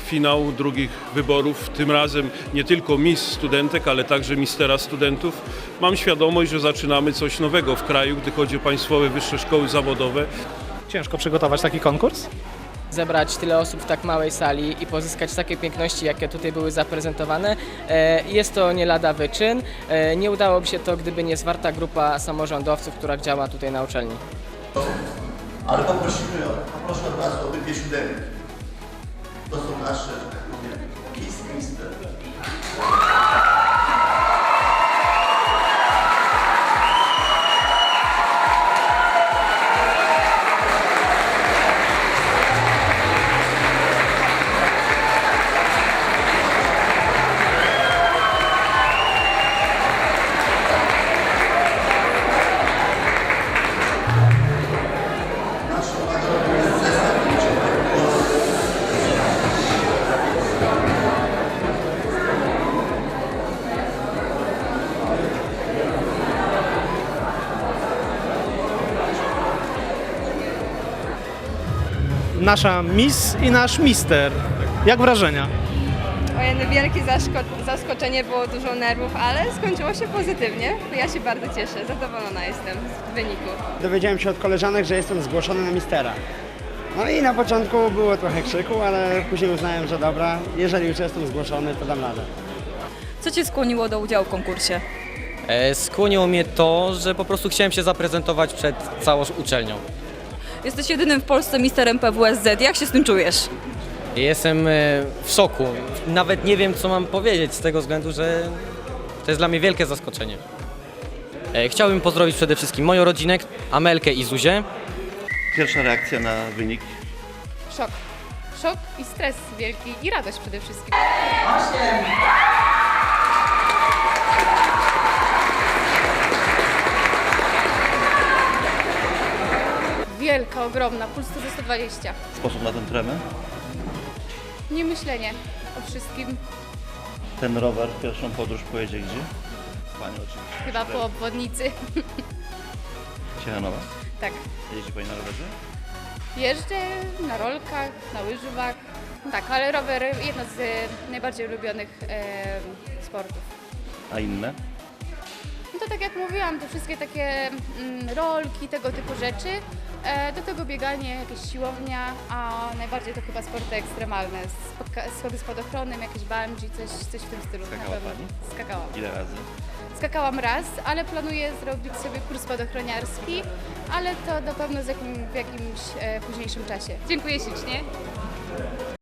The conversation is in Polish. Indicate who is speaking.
Speaker 1: finał drugich wyborów, tym razem nie tylko Miss Studentek, ale także Mistera Studentów. Mam świadomość, że zaczynamy coś nowego w kraju, gdy chodzi o państwowe wyższe szkoły zawodowe.
Speaker 2: Ciężko przygotować taki konkurs?
Speaker 3: Zebrać tyle osób w tak małej sali i pozyskać takie piękności, jakie tutaj były zaprezentowane, jest to nie lada wyczyn. Nie udałoby się to, gdyby nie zwarta grupa samorządowców, która działa tutaj na uczelni.
Speaker 4: Ale poproszę od Was o obydwie siódemki. To są nasze, że tak powiem, Kiss Mister.
Speaker 2: Nasza Miss i nasz Mister. Jak wrażenia?
Speaker 5: Ojej, wielkie zaskoczenie, było dużo nerwów, ale skończyło się pozytywnie. Ja się bardzo cieszę, zadowolona jestem z wyniku.
Speaker 6: Dowiedziałem się od koleżanek, że jestem zgłoszony na Mistera. No i na początku było trochę krzyku, ale później uznałem, że dobra, jeżeli już jestem zgłoszony, to dam radę.
Speaker 7: Co Cię skłoniło do udziału w konkursie?
Speaker 8: Skłoniło mnie to, że po prostu chciałem się zaprezentować przed całą uczelnią.
Speaker 7: Jesteś jedynym w Polsce misterem PWSZ. Jak się z tym czujesz?
Speaker 8: Jestem w szoku. Nawet nie wiem, co mam powiedzieć z tego względu, że to jest dla mnie wielkie zaskoczenie. Chciałbym pozdrowić przede wszystkim moją rodzinę, Amelkę i Zuzię.
Speaker 4: Pierwsza reakcja na wynik.
Speaker 5: Szok. Szok i stres wielki i radość przede wszystkim. Wielka, ogromna, puls to 120.
Speaker 4: Sposób na ten tremę.
Speaker 5: Nie myślenie o wszystkim,
Speaker 4: Ten rower pierwszą podróż pojedzie gdzie? Pani oczywiście.
Speaker 5: chyba po obwodnicy.
Speaker 4: Ciechanowa.
Speaker 5: Tak.
Speaker 4: Jeździ Pani na rowerze?
Speaker 5: Jeżdżę na rolkach, na łyżwach. Tak, ale rower jedno z najbardziej ulubionych sportów.
Speaker 4: A inne?
Speaker 5: No to tak jak mówiłam, to wszystkie takie rolki, tego typu rzeczy. Do tego bieganie, jakieś siłownia, a najbardziej to chyba sporty ekstremalne. Schody spadochronem, jakieś bungee, coś w tym stylu.
Speaker 4: Skakała
Speaker 5: na pewno.
Speaker 4: Pani?
Speaker 5: Skakałam.
Speaker 4: Ile razy?
Speaker 5: Skakałam raz, ale planuję zrobić sobie kurs spadochroniarski, ale to na pewno w jakimś późniejszym czasie. Dziękuję ślicznie.